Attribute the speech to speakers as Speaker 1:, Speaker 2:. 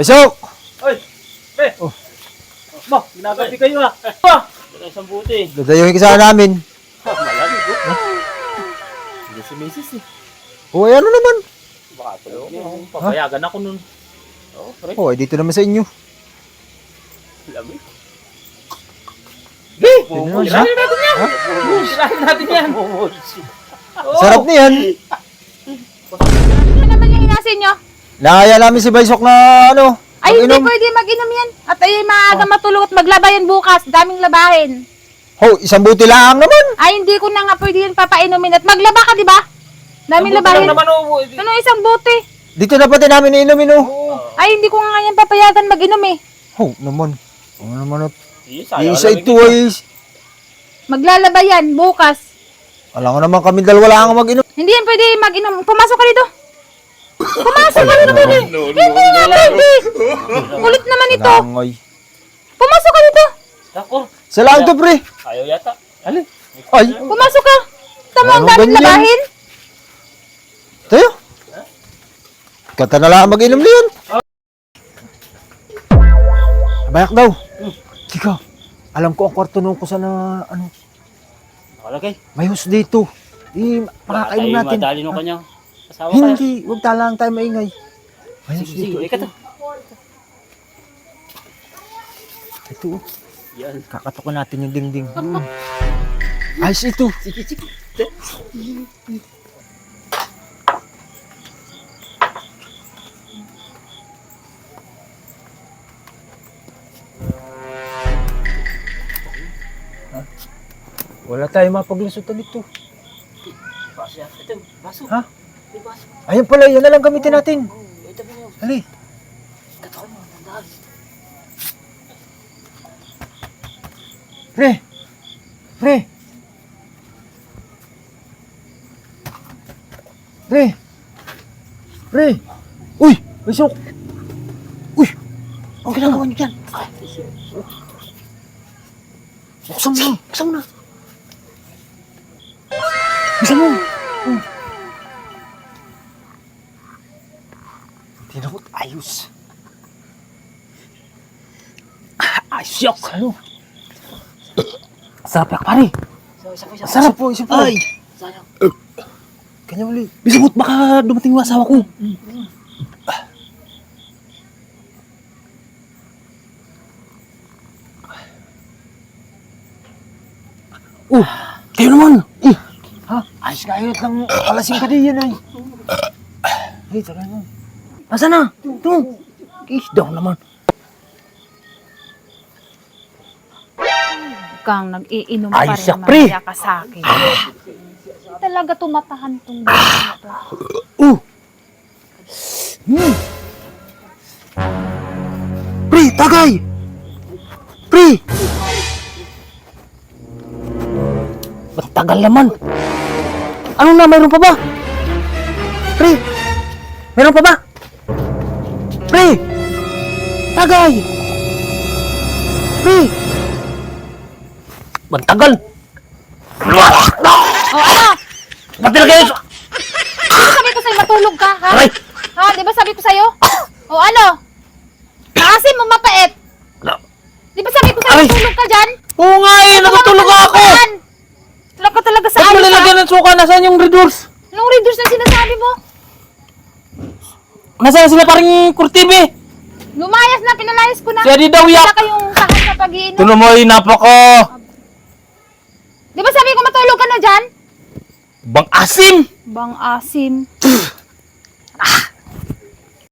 Speaker 1: Pasok!
Speaker 2: Oy! Pre!
Speaker 1: Oh.
Speaker 2: Ma, ginagabi kayo ah! Pa! Wala isang buti.
Speaker 1: Dadayuhin ka sana namin.
Speaker 2: Malamig oh. Hindi si Mrs. eh.
Speaker 1: O, ano naman?
Speaker 2: Baka tulog niya. Papayagan ako nun. Oo, pre.
Speaker 1: O, dito naman sa inyo.
Speaker 2: Lamig. Hey!
Speaker 1: naman siya.
Speaker 2: Sirahin natin yan! Sirahin natin yan!
Speaker 1: Sarap niyan.
Speaker 3: Ano naman yung hinasin nyo?
Speaker 1: Nakaya namin si Baysok na ano.
Speaker 3: Ay, hindi
Speaker 1: mag-inom.
Speaker 3: pwede mag-inom yan. At ay maaga matulog at maglaba yan bukas. Daming labahin.
Speaker 1: Ho, isang buti lang naman.
Speaker 3: Ay, hindi ko na nga pwede yan papainumin. At maglaba ka, di ba? Daming labahin.
Speaker 2: naman oh.
Speaker 3: Ano, isang bote?
Speaker 1: Dito na pati namin inumin oh.
Speaker 3: Ay, hindi ko nga yan papayagan mag-inom eh.
Speaker 1: Ho, naman. Ano naman at
Speaker 2: Sayang
Speaker 1: isa
Speaker 2: lamig
Speaker 1: ito
Speaker 2: dito.
Speaker 1: ay.
Speaker 3: Maglalaba yan bukas.
Speaker 1: Alam ko naman kami dalawa lang ang mag-inom.
Speaker 3: Hindi yan pwede mag-inom. Pumasok ka dito. Pumasok ka dito, pwede. Hindi nga pwede. Kulit naman ito.
Speaker 1: Nangoy.
Speaker 3: Pumasok ka dito.
Speaker 2: Ako.
Speaker 1: Sa lang to, pre.
Speaker 2: Ayaw yata. Alin?
Speaker 1: Ay,
Speaker 3: Pumasok ka. Tama ang
Speaker 1: Ano
Speaker 3: daming
Speaker 1: ganyan?
Speaker 3: labahin.
Speaker 1: tayo. Kata na lang mag-inom na yun. Bayak daw. Kika, alam ko ang kwarto nung kusa na ano,
Speaker 2: Nakalagay.
Speaker 1: may hus dito. Makakainom natin.
Speaker 2: Madali nung
Speaker 1: Ha?
Speaker 2: kanyang asawa kaya.
Speaker 1: Hindi, huwag talang tayo maingay. May hus
Speaker 2: Sige,
Speaker 1: dito.
Speaker 2: sige. Ikaw to.
Speaker 1: Ito, oh.
Speaker 2: Yan.
Speaker 1: Kakatukan natin yung dingding. Ayos ito.
Speaker 2: Sige, sige.
Speaker 1: Wala tayong mapaglusutan dito.
Speaker 2: Baso yan. Ito, baso.
Speaker 1: Ha?
Speaker 2: May baso.
Speaker 1: Ayun pala, yan na lang gamitin natin.
Speaker 2: Ito mo yun.
Speaker 1: Ali.
Speaker 2: Katawan mo. Tandaan.
Speaker 1: Pre! Pre! Pre! Pre! Uy! Baysok! Uy! Ang ginagawa niyo dyan? Buksan mo! Buksan mo na! Buksan mo! Tinakot, ayos! Ayos yok! Ano? Sarap yak pare! Sarap po, isa po! Ay!
Speaker 2: Sayang.
Speaker 1: Kanya uli. Bisabot, baka dumating yung asawa ko. Oh, kayo naman. Ha? Ayos ka, ayot lang. Alasing ka din yan ay. Ay, tagal mo. Asa na? Ito. Isdaw naman.
Speaker 3: Kang nag-iinom
Speaker 1: Ay,
Speaker 3: pa rin
Speaker 1: siya, pre.
Speaker 3: mamaya ka sa akin. Talaga tumatahan tong buhay na to.
Speaker 1: Pre, tagay! Pre! Ba't tagal naman? Ano na, mayroon pa ba? Pre! Mayroon pa ba? Pre! Tagay! Pre! Ba't tagal?
Speaker 3: O ano?
Speaker 1: Ba't talaga yun?
Speaker 3: Di ba sabi ko sa'yo matulog ka, ha?
Speaker 1: Aray!
Speaker 3: Ha? Di ba sabi ko sa'yo? O ano? Maasim mo mapait. Di ba sabi ko sa'yo
Speaker 1: Aray!
Speaker 3: matulog ka dyan?
Speaker 1: Oo nga eh, natutulog ako!
Speaker 3: Yan! Tulog ka talaga sa
Speaker 1: Ba't mo
Speaker 3: ayos, ha?
Speaker 1: nilagyan ng suka? Nasaan yung red doors?
Speaker 3: Anong readers na sinasabi mo?
Speaker 1: Nasaan sila parang kurtibe?
Speaker 3: Lumayas na, pinalayas ko na.
Speaker 1: Siya di daw yak!
Speaker 3: Wala kayong tahan sa pag-iinom.
Speaker 1: Tuno mo ay napaka...
Speaker 3: Di ba sabi ko matulog ka na dyan?
Speaker 1: Bang asim!
Speaker 3: Bang asim.